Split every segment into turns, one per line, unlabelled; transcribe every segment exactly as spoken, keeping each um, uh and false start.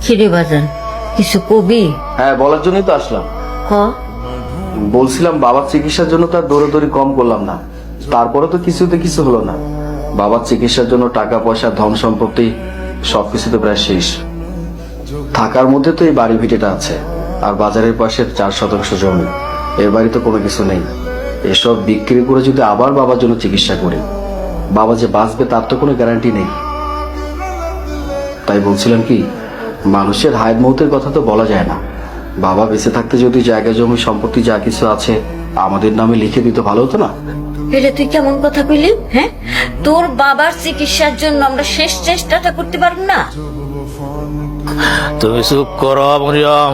খিরে বাজান কিছু কবি?
হ্যাঁ, বলার জন্যই তো আসলাম।
হ,
বলছিলাম বাবার চিকিৎসার জন্য তো আর দৌড়াদৌড়ি কম করলাম না, তারপরে তো কিছুতে কিছু হলো না। বাবার চিকিৎসার জন্য টাকা পয়সা ধন সম্পত্তি সবকিছুতে প্রায় শেষ। থাকার মধ্যে তো এই বাড়ি ভিটেটা আছে, আর বাজারের পাশে চার শতাংশ জমি। এর বাড়ি তো কোনো কিছু নেই। এসব বিক্রি করে যদি আবার বাবার জন্য চিকিৎসা করি, বাবা যে বাঁচবে তার তো কোনো গ্যারান্টি নেই। তাই বলছিলাম কি, মানুষের হায়াত মৌতের কথা তো বলা যায় না। বাবা বেঁচে থাকতে যদি জায়গা জমি সম্পত্তি যা কিছু আছে আমাদের নামে লিখে দিতে ভালো হতো না?
এটা তুই কেমন কথা কইলি? হ্যাঁ, তোর বাবার চিকিৎসার জন্য আমরা শেষ চেষ্টাটা করতে পারবো না?
তুমি চুপ করো মরিয়ম।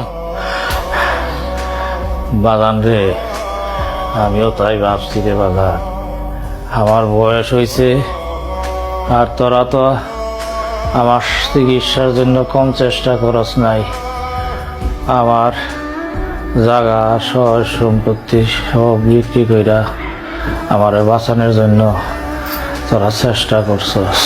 বাগান রে, আমিও তাই ভাবছি রে বাগান। আমার বয়স হয়েছে, আর তোরা তো আমার চিকিৎসার জন্য কম চেষ্টা করস নাই। আমার জায়গা সয় সম্পত্তি সব বিক্রি কইরা আমার বাঁচানোর জন্য তোরা চেষ্টা করছস।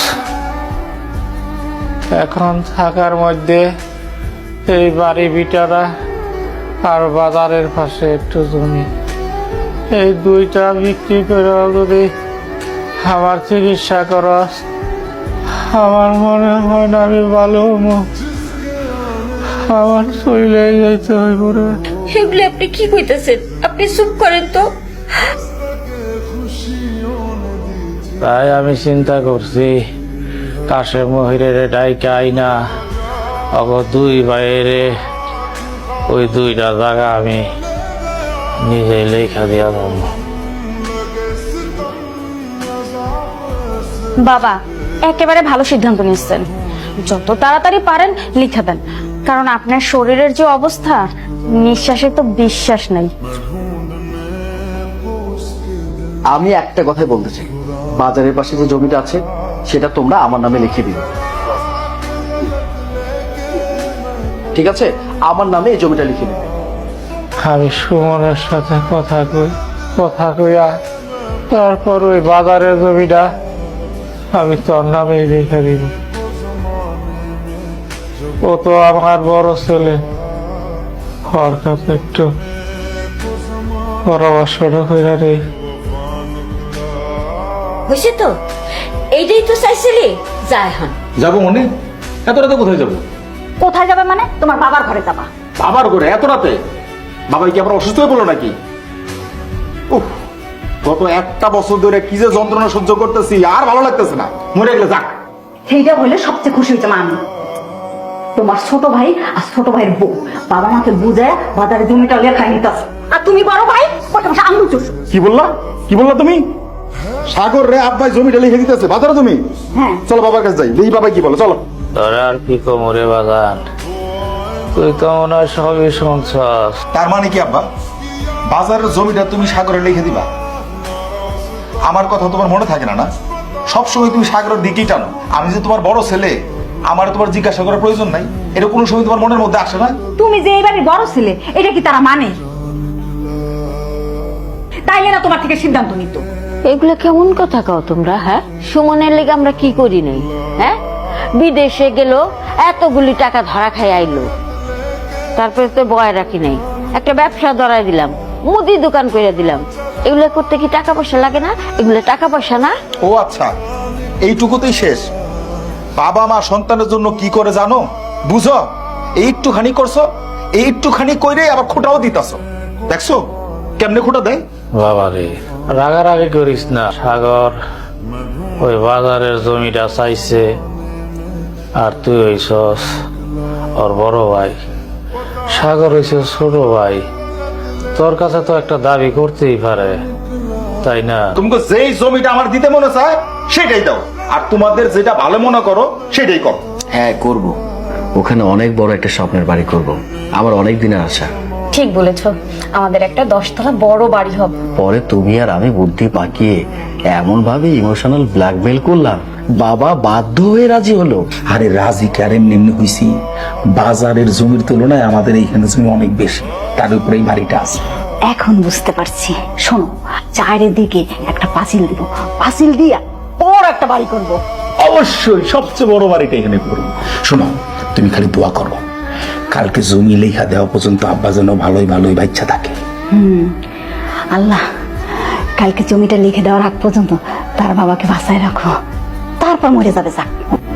এখন থাকার মধ্যে এই বাড়ি ভিটারা আর বাজারের পাশে একটু জমি, এই দুইটা বিক্রি করে যদি আমার চিকিৎসা করস, আমার মনে হয় না আমি ভালো হবো। আমার শরীরে যাইতে হইব রে।
এগুলো আপনি কি কইতেছেন? আপনি চুপ করেন তো।
তাই আমি চিন্তা করছি, কাশে মহিরের ডাইকা আইনা অগ দুই বাইরে ওই দুইটা জায়গা আমি নিজে লেখা দিয়া দেব।
বাবা একেবারে ভালো সিদ্ধান্ত নিচ্ছেন। যত তাড়াতাড়ি পারেন লিখে দেন, কারণ আপনার শরীরের যে অবস্থা, নিঃশ্বাসে তো বিশ্বাস নাই।
আমি একটা কথাই বলতে চাই, বাজারের পাশে যে জমিটা আছে সেটা তোমরা আমার নামে লিখে দিও, ঠিক আছে? আমার নামে এই জমিটা লিখে দিবে।
আমি সুমনের সাথে কথা কই, কথা কইয়া তারপর ওই বাজারের জমিটা আমি তোর নামে রেখে দিব। ও তো আমার বড় ছেলে, ওর কাছে একটু পরামর্শটা কইরা নেই।
হয়েছে তো, এইটাই তো চাইছিলি। যা এখন।
যাবো মনে? এত রাতে কোথায় যাবো?
কোথায় যাবে মানে? তোমার বাবার ঘরে যাবা।
বাবার করে এত রাতে? বাবা কি আমরা অসুস্থ হয়ে পড়লো নাকি? উফ, গত একটা বছর ধরে কি যে যন্ত্রণা সহ্য করতেছি, আর ভালো লাগতেছে না। মরে গেলে যাক।
সেইটা হইলে সবচেয়ে খুশি হয়েছে মা আমি। তোমার ছোট ভাই আর ছোট ভাইয়ের বউ বাবা মাকে বুঝায় বাজারে জমিটা লেখাই নিতেছে, আর তুমি বড় ভাই বসে আঙুল চুষ।
কি বললা? কি বললা তুমি? সাগর রে আব্বাই জমিটা লিখে দিতেছে, বাজারে জমি।
হ্যাঁ
চলো বাবার কাছে যাই, দেখি বাবা কি বলো। চলো।
তোর আর কি কোমরে বাগান, তুই তো মনে হয় সবই শুনছস।
তার মানে কি আব্বা, বাজারের জমিটা তুমি সাগরে লিখে দিবা? আমার কথা তোমার মনে থাকে না না? সবসময় তুমি সাগরের দিকেই টানো। আমি যে তোমার বড় ছেলে, আমার তোমার জিজ্ঞাসা করার প্রয়োজন নাই? এটা কোনো সময় তোমার মনের মধ্যে আসে না?
তুমি যে এই বাড়ির বড় ছেলে এটা কি তারা মানে? তাইলে না তোমার থেকে সিদ্ধান্ত নিত।
এগুলা কেমন কথা কও তোমরা? হ্যাঁ, সুমনের লেগে আমরা কি করি নাই? হ্যাঁ, বিদেশে গেল, এতগুলি টাকা ধরা খাই আইলো, তারপরে তো বয় রাখি নাই, একটা ব্যবসা ধরাই দিলাম, মুদি দোকান করে দিলাম। এগুলো করতে কি টাকা পয়সা লাগে না? এগুলো টাকা পয়সা না?
ও আচ্ছা, এইটুকুতেই শেষ? বাবা মা সন্তানের জন্য কি করে জানো? বুঝো? এইটুখানি করছো, এইটুখানি কইরে আবার খোটাও দিতাছো। দেখছো কেমনে খোটা দেয়?
বাবা রে, রাগারাগি করিস না। সাগর ওই বাজারের জমিটা চাইছে, আর তুই হইছস ওর বড় ভাই। সাগর হইছে ছোট ভাই, তোর কাছে তো একটা দাবি করতেই পারে, তাই না?
তোমাকে যেই জমিটা আমার দিতে মনে চায় সেটাই দাও, আর তোমাদের যেটা ভালো মনে করো সেটাই করো।
হ্যাঁ করব, ওখানে অনেক বড় একটা স্বপ্নের বাড়ি করব, আমার অনেক দিনের আশা।
ঠিক বলেছ, আমাদের একটা দশতলা বড় বাড়ি হবে।
পরে তুমি আর আমি বুদ্ধি পাকিয়ে এমন ভাবে ইমোশনাল ব্ল্যাকমেল করলাম, বাবা বাধ্য হয়ে রাজি হলো।
আরে রাজি কারেন নিম্ন হইছি, বাজারের জমির তুলনায় আমাদের এইখানে জমি অনেক বেশি, তার উপরে এই বাড়িটা আছে।
এখন বুঝতে পারছি। শোনো, চায়ের দিকে একটা পাঁচিল দিব, পাঁচিল দিয়া বড় একটা বাড়ি করব।
অবশ্যই সবচেয়ে বড় বাড়িটা এখানে করবো। শোনো, তুমি খালি দোয়া করো কালকে জমি লেখা দেওয়া পর্যন্ত আব্বা যেন ভালোই ভালোই বাচ্চা থাকে।
হুম আল্লাহ, কালকে জমিটা লিখে দেওয়ার আগ পর্যন্ত তার বাবাকে বাঁচায় রাখো, তারপর মরে যাবে যাক।